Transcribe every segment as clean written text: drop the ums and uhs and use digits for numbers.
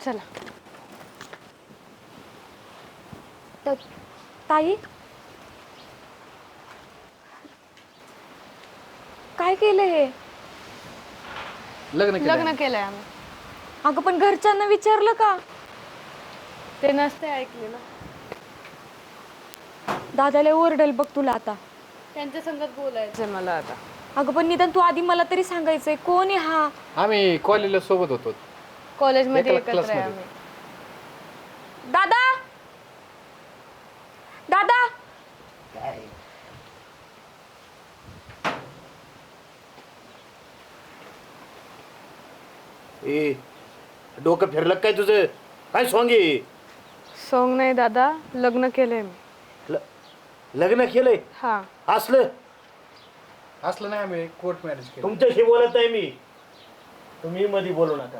चला. ताई काय केलं हे? लग्न केलंय आम्ही. अगं पण घरच्यांना विचारलं का? ते नसते ऐकलेलं. दादाला ओरडेल बघ तुला आता. त्यांच्या संगत बोलायचंय मला आता. अगं पण निदान तू आधी मला तरी सांगायचंय कोण आहे हा? आम्ही कॉलेजला सोबत होतो. कॉलेजमध्ये एका एकत्र आहे क्लासमध्ये. आम्ही. दादा दादा ए डोकं फिरलं काय तुझं? काय सोंगे? सोंग नाही दादा, लग्न केलंय मी. लग्न केलंय? हा. असलं असलं नाही, आम्ही कोर्ट मॅरेज केलं. तुमच्याशी बोलत आहे मी, तुम्ही मध्ये बोलू नका.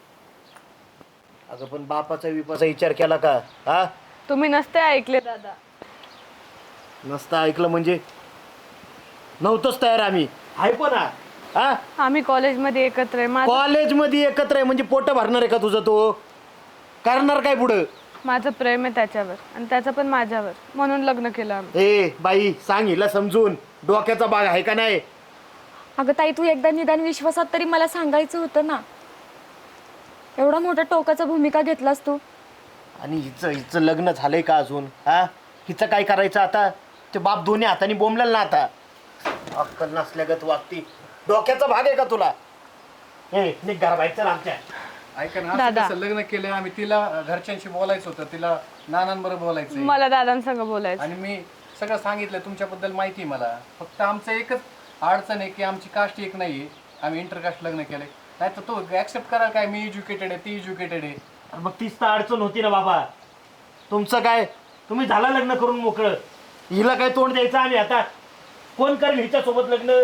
अगं पण बापाचा विपाचा विचार केला का? हा, तुम्ही नसते ऐकले दादा. नसता ऐकलं म्हणजे नव्हतंच तयार आम्ही. आहे पण हा आम्ही कॉलेजमध्ये एकत्र आहे. कॉलेजमध्ये एकत्र आहे म्हणजे पोट भरणार आहे का तुझं? तो करणार काय पुढं? माझं प्रेम आहे त्याच्यावर आणि त्याचं पण माझ्यावर, म्हणून लग्न केलं आम्ही. ए बाई सांग हिला समजून, डोक्याचा भाग आहे का नाही? अगं ताई तू एकदा निदान विश्वासात तरी मला सांगायचं होतं ना. एवढा मोठा टोकाचा भूमिका घेतलास तू. आणि हिचं लग्न झालंय का अजून? हा, हिचं काय करायचं आता? ते बाप दोन्ही हाताने बोंबलेल ना आता. अक्कल नसल्यागत वागती. डोक्याचा भाग आहे का तुला? ए निघ घराबाहेर चल आमच्या. ऐका ना, असं दादा. कसं लग्न केलं आम्ही? तिला घरच्यांशी बोलायचं होतं, तिला नानांबरोबर बोलायचं मला दादांसंग बोलायचं. आणि मी सगळं सांगितलं तुमच्याबद्दल माहिती आहे मला. फक्त आमचं एकच अडचण आहे की आमची कास्ट एक नाहीये, आम्ही इंटरकास्ट लग्न केलंय. नाही तर तो ऍक्सेप्ट कराल काय? मी एज्युकेटेड आहे, ती एज्युकेटेड आहे. अरे मग तीच तर अडचण होती ना बाबा. तुमचं काय, तुम्ही झाला लग्न करून मोकळं, हिला काय तोंड द्यायचं आम्ही आता? कोण करेल हिच्या सोबत लग्न?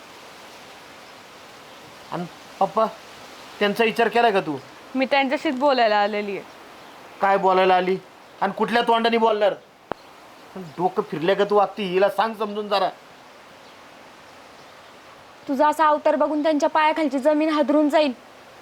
आणि पप्पा त्यांचा विचार केलाय का तू? मी त्यांच्याशीच बोलायला आलेली आहे. काय बोलायला आली आणि कुठल्या तोंडाने बोलणार? डोकं फिरल्या का तू वागती? हिला सांग समजून जरा. तुझा असा अवतार बघून त्यांच्या पायाखालची जमीन हादरून जाईल.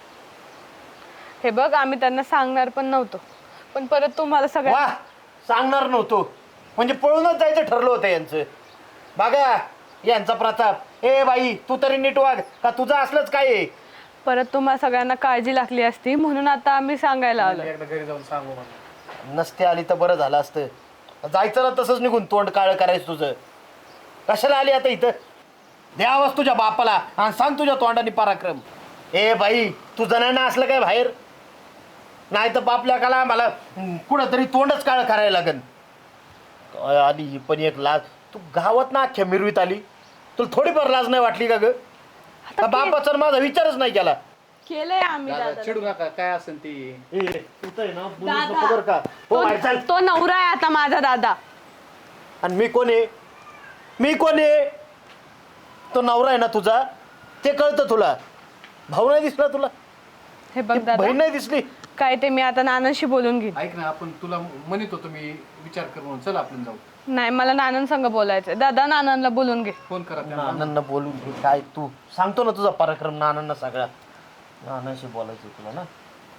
हे बघ, आम्ही त्यांना सांगणार पण नव्हतो, पण परत तुम्हाला सगळं. वा, सांगणार नव्हतो म्हणजे पळूनच जायचं ठरलं होतं यांचं. बघा यांचा प्रताप. ए बाई तू तरी नीट वाग, का तुझं असलंच काय आहे? परत तुम्हाला सगळ्यांना काळजी लागली असती, म्हणून आता आम्ही सांगायला आलो. एकदा घरी जाऊन सांगू मला. नसते आली तर बरं झालं असतं. जायचं ना तसंच निघून, तोंड काळं करायचं तुझं. कशाला आली आता इथं? द्यावाच तुझ्या बापाला आणि सांग तुझ्या तोंडाने पराक्रम. ए बाई तू जणांना असलं काय बाहेर? नाही तर बापल्या काला मला कुठं तरी तोंडच काळं करायला लागन. काय आली ही पण एक लाज. तू गावात ना अख्ख्या मिरवीत आली, तुला थोडीफार लाज नाही वाटली का ग? बापाचा माझा विचारच नाही केला. केलंय आम्ही दादा, दादा. चिडू नका, काय असेल ती. ए तू तर आहे ना बोलूच नको बरं का? हो बाहेर चाल. तो नवरा आहे आता माझा दादा. आणि मी कोण आहे? मी कोण आहे? तो नवरा आहे ना तुझा, ते कळतं तुला. भाऊ नाही दिसला तुला? हे बघ दादा, बहीण नाही दिसली? काय ते मी आता नानांशी बोलून घेईन. ऐक ना, आपण तुला म्हणत होतो मी विचार कर म्हणून. चल आपण जाऊ. नाही, मला नानांसंग बोलायचंय. दादा नानांना बोलून घे. फोन करा त्यांना. नानांना बोलून घे. काय तू सांगतो ना तुझा पराक्रम नानांना सगळा. नानाशी बोलायचं तुला ना.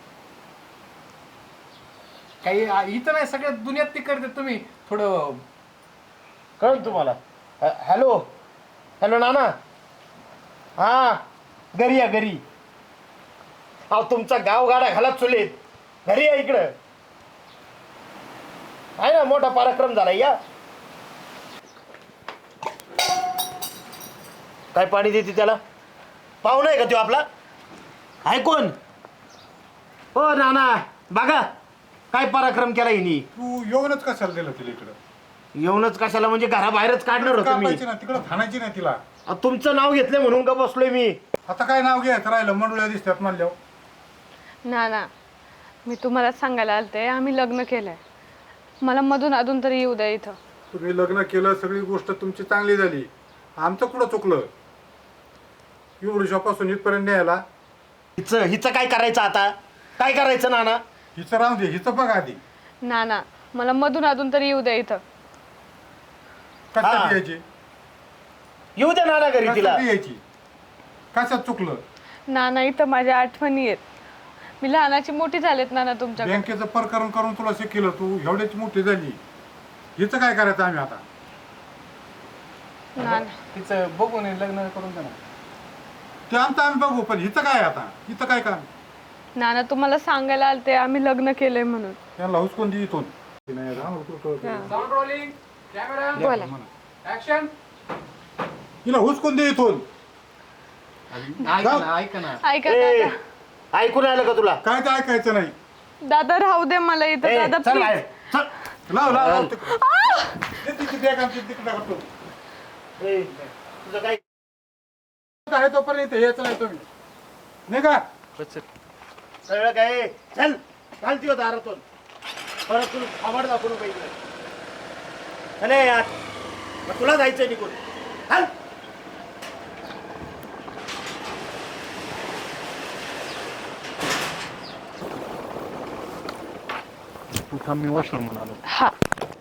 काही इथं नाही, सगळ्या दुनियात ती करते. तुम्ही थोडं कळलं तुम्हाला? हॅलो हॅलो नाना. हा घरी या घरी. अहो तुमचा गावगाडा घालत चुलीत. घरी या इकडं. आहे ना मोठा पराक्रम झाला. या काय पाणी देते त्याला? पाहुणा आहे का तो आपला? आहे कोण? हो नाना बघा काय पराक्रम केला हिनी. तू येऊनच कशाला दिलं तिला इकडं? येऊनच कशाला म्हणजे घराबाहेरच काढणार होतो मी. कापायची ना तिकडं, थानायची नाही तिला. तुमचं नाव घेतलं म्हणून का बसलोय मी. आता काय नाव घ्यायचं राहिलं? मंडुळ्या दिसतात म्हणल्यावर. नाना, मी तुम्हाला सांगायला आलते, आम्ही लग्न केलंय. मला मधून अधून तरी येऊ द्या इथं. तुम्ही लग्न केलं, सगळी गोष्ट तुमची चांगली झाली. आमचं कुठं चुकलं? एवढ्यापासून इथपर्यंत न्यायला. हिचं काय करायचं आता? काय करायचं नाना? हिचं राहू दे, हिचं बघ आधी. नाना, मला मधून अधून तरी येऊ द्या इथं. कशासाठी यायची? येऊ द्या नाना घरी तिला. कशासाठी यायची? कशात चुकलं? नाना, इथं माझ्या आठवणी आहेत. मी लहानाची मोठी झालेत नाना तुमच्याकडे. बँकेचं प्रकरण करून तुला शिकलं, तू एवढ्याची मोठी झाली, हिचं काय करायचं आम्ही आता? नाना तिचं बघून लग्न करून द्या ना. ते आमचं आम्ही बघू, पण हिचं काय आता? हिचं काय काम? नाना तुम्हाला सांगायला आलते आम्ही लग्न केलंय म्हणून. त्यांना हुसकून दे इथून. ते नाही राहणार कुठं. साऊंड रोलिंग, कॅमेरा, बोला. ऍक्शन. हिला हुसकून दे इथून. ऐका ना, ऐका ना. ऐका ए, दादा, ऐकून आलं का तुला? काय ते ऐकायचं नाही. दादा राहू दे मला इथं. ए, दादा चल बाहेर, प्लीज. चल. लाव लाव लाव तिकडं. दे तिची बॅग आमची तिकडे टाकतो. ए, तुझं काय आहे तोपर्यंत यायचं नाही तुम्ही. नाही का? सगळं काय? चल घालती होता दारातून. परत तू आवड दाखवून पाहिजे. अरे यार, मग तुला जायचंय निघून. हाल. तू थांब, मी वॉशरूम म्हणालो. हा.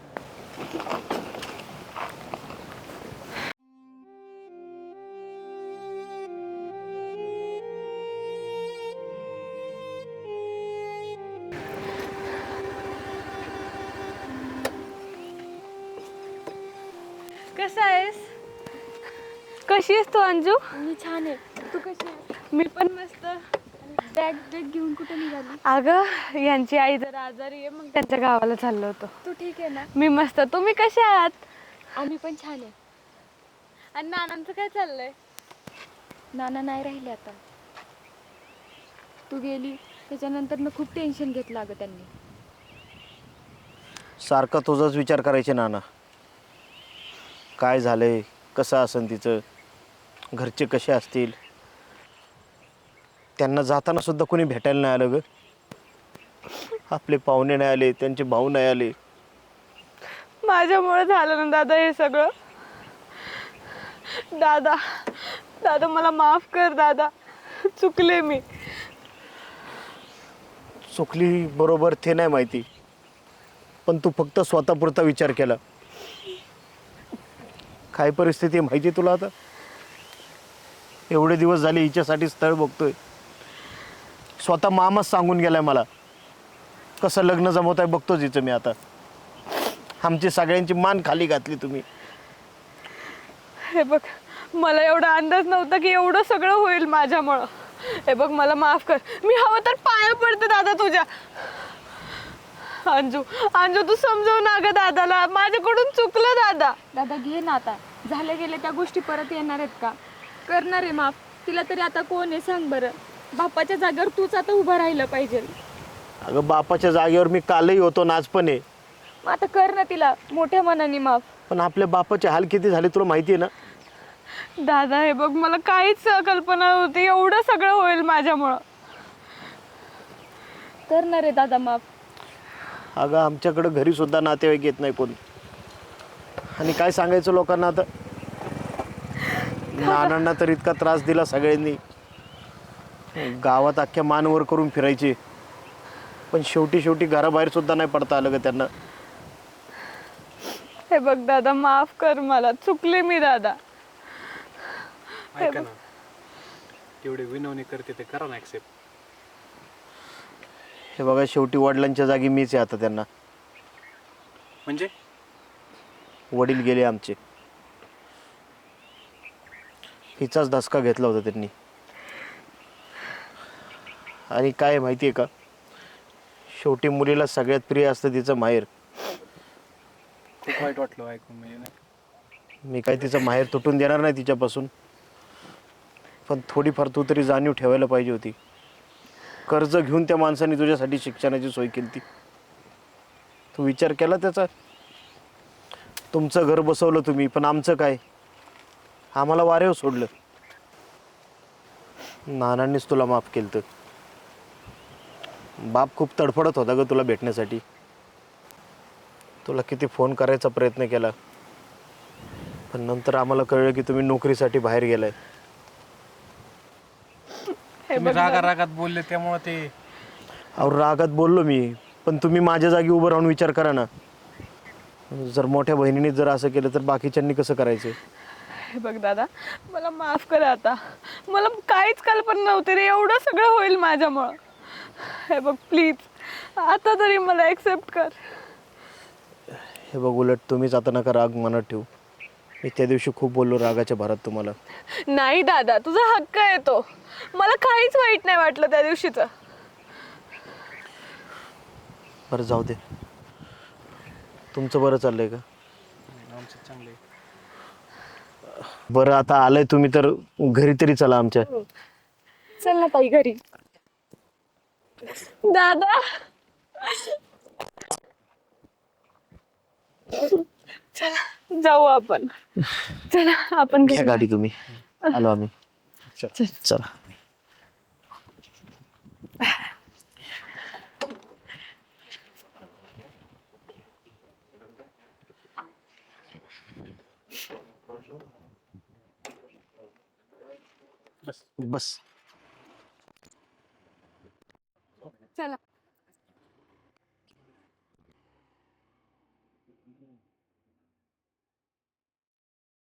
कसा आहेस? कशी आहेस तू अंजू? मी छान आहे. तू कशी आहे? मी पण मस्त. बॅग बॅग घेऊन कुठे निघाली? अगं यांची आई जरा आजारी आहे, मग त्यांच्या गावाला चाललो होतो. तू ठीक आहे ना? मी मस्त. तुम्ही कसे आहात? आम्ही पण छान आहे. आणि नानांचं काय चाललंय? नाना नाही राहिले आता. तू गेली त्याच्यानंतर ना खूप टेन्शन घेतलं अगं त्यांनी. सारखा तुझाच विचार करायचे नाना. काय झालंय, कसं असेल तिचं, घरचे कसे असतील. त्यांना जाताना सुद्धा कोणी भेटायला नाही आलं ग. आपले पाहुणे नाही आले, त्यांचे भाऊ नाही आले. माझ्यामुळे झालं ना दादा हे सगळं. दादा दादा मला माफ कर दादा, चुकले मी. चुकली बरोबर ते नाही माहिती, पण तू फक्त स्वतःपुरता विचार केला. काय परिस्थिती आहे माहिती तुला आता? एवढे दिवस झाले हिच्यासाठी स्थळ बघतोय. स्वतः मामाच सांगून गेलाय मला कसं लग्न जमवत आहे बघतोच हिचं मी आता. आमची सगळ्यांची मान खाली घातली तुम्ही. हे बघ, मला एवढा अंदाज नव्हता की एवढं सगळं होईल माझ्यामुळं. हे बघ मला माफ कर. मी हवं तर पाया पडते दादा तुझ्या. अंजू अंजू तू समजव ना ग दादाला, माझ्याकडून चुकलं दादा. दादा घे ना आता. झाल्या गेल्या त्या गोष्टी परत येणार आहेत का? करणार आहे माफ. तिला तरी आता कोण आहे सांग बरं. बापाच्या जागेवर तूच आता उभं राहिलं पाहिजे. अगं बापाच्या जागेवर मी कालही होतो ना, आज पण आहे. मग आता कर ना तिला मोठ्या मनाने माफ. पण आपल्या बापाचे हाल किती झाले तुला माहिती आहे ना. दादा हे बघ, मला काहीच कल्पना नव्हती एवढं सगळं होईल माझ्यामुळं. करणार आहे दादा माफ. अगं आमच्याकडं घरी सुद्धा नातेवाईक येत नाही कोण. आणि काय सांगायचं लोकांना आता. नानांना तर इतका त्रास दिला सगळ्यांनी. गावात अख्ख्या मानवर करून फिरायचे, पण शेवटी घराबाहेर सुद्धा नाही पडता आलं ग त्यांना. हे बघ दादा, माफ कर मला, चुकले मी दादा. ऐका ना, तेवढे विनवणी करते ते करा ना ऍक्सेप्ट. हे बघा, शेवटी वडिलांच्या जागी मीच आहे आता त्यांना. म्हणजे वडील गेले आमचे. हिचाच धसका घेतला होता त्यांनी. आणि काय माहिती आहे का, शेवटी मुलीला सगळ्यात प्रिय असतं तिचं माहेर. खूप वाईट वाटलं ऐकून. म्हणजे नाही, मी काय तिचं माहेर तुटून देणार नाही तिच्यापासून, पण थोडीफार तू तरी जाणीव ठेवायला पाहिजे होती. कर्ज घेऊन त्या माणसाने तुझ्यासाठी शिक्षणाची सोय केली ती. तू विचार केला त्याचा? तुमचं घर बसवलं तुम्ही, पण आमचं काय? आम्हाला वारेव सोडलं. नानांनीच तुला माफ केलं. तर बाप खूप तडफडत होता ग तुला भेटण्यासाठी. तुला किती फोन करायचा प्रयत्न केला, पण नंतर आम्हाला कळलं की तुम्ही नोकरीसाठी बाहेर गेलाय. तुम्ही रागात बोलले त्यामुळे ते. अहो रागात बोललो मी, पण तुम्ही माझ्या जागी उभं राहून विचार करा ना. जर मोठ्या बहिणीने जर असं केलं तर बाकीच्यांनी कसं करायचं? हे बघ दादा, मला माफ कर आता. मला काहीच कल्पना नव्हती रे एवढं सगळं होईल माझ्यामुळं. हे बघ प्लीज आता तरी मला ॲक्सेप्ट कर. हे बघ, उलट तुम्हीच आता नका राग मनात ठेवू. मी त्या दिवशी खूप बोललो रागाच्या भरात तुम्हाला. नाही दादा, तुझा हक्क आहे तो. मला काहीच वाईट नाही वाटलं त्या दिवशीचं. बरं जाऊ दे. तुमचं बरं चाललंय का? आमचं चांगलं आहे. बरं आता आलंय तुम्ही तर घरी तरी चला आमच्या. चल ना ताई घरी. दादा चला जाऊ आपण. चला आपण घ्या घरी. गाडी तुम्ही. आलो आम्ही. चला. बस. चला.